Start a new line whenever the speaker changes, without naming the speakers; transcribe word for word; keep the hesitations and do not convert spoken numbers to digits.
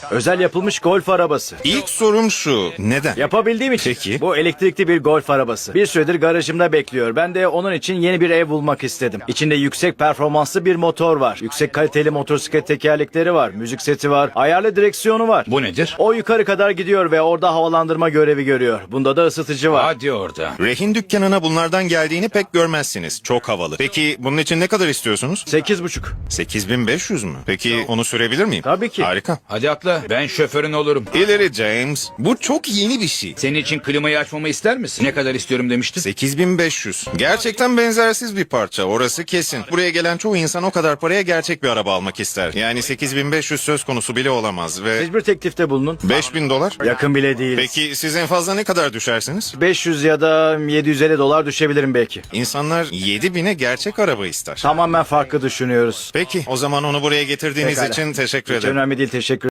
Özel yapılmış golf arabası.
İlk sorum şu. Neden?
Yapabildiğim için.
Peki.
Bu elektrikli bir golf arabası. Bir süredir garajımda bekliyor. Ben de onun için yeni bir ev bulmak istedim. İçinde yüksek performanslı bir motor var. Yüksek kaliteli motosiklet tekerlekleri var. Müzik seti var. Ayarlı direksiyonu var.
Bu nedir?
O yukarı kadar gidiyor ve orada havalandırma görevi görüyor. Bunda da ısıtıcı var.
Hadi orada.
Rehin dükkanına bunlardan geldiğini pek görmezsiniz. Çok havalı. Peki bunun için ne kadar istiyorsunuz?
Sekiz buçuk.
sekiz bin beş yüz mü? Peki onu sürebilir miyim?
Tabii ki.
Harika.
Hadi atla. Ben şoförün olurum.
İleri James. Bu çok yeni bir şey.
Senin için klimayı açmamı ister misin? Ne kadar istiyorum demiştin?
sekiz bin beş yüz. Gerçekten benzersiz bir parça. Orası kesin. Buraya gelen çoğu insan o kadar paraya gerçek bir araba almak ister. Yani sekiz bin beş yüz söz konusu bile olamaz ve
Siz bir teklifte bulunun.
beş bin dolar.
Yakın bile değil.
Peki siz en fazla ne kadar düşersiniz?
beş yüz ya da yedi yüz elli dolar düşebilirim belki.
İnsanlar yedi bine gerçek araba ister.
Tamamen farklı düşünüyoruz.
Peki o zaman onu buraya getirdiğiniz
Pekala.
için teşekkür
Hiç
ederim.
önemli değil, teşekkür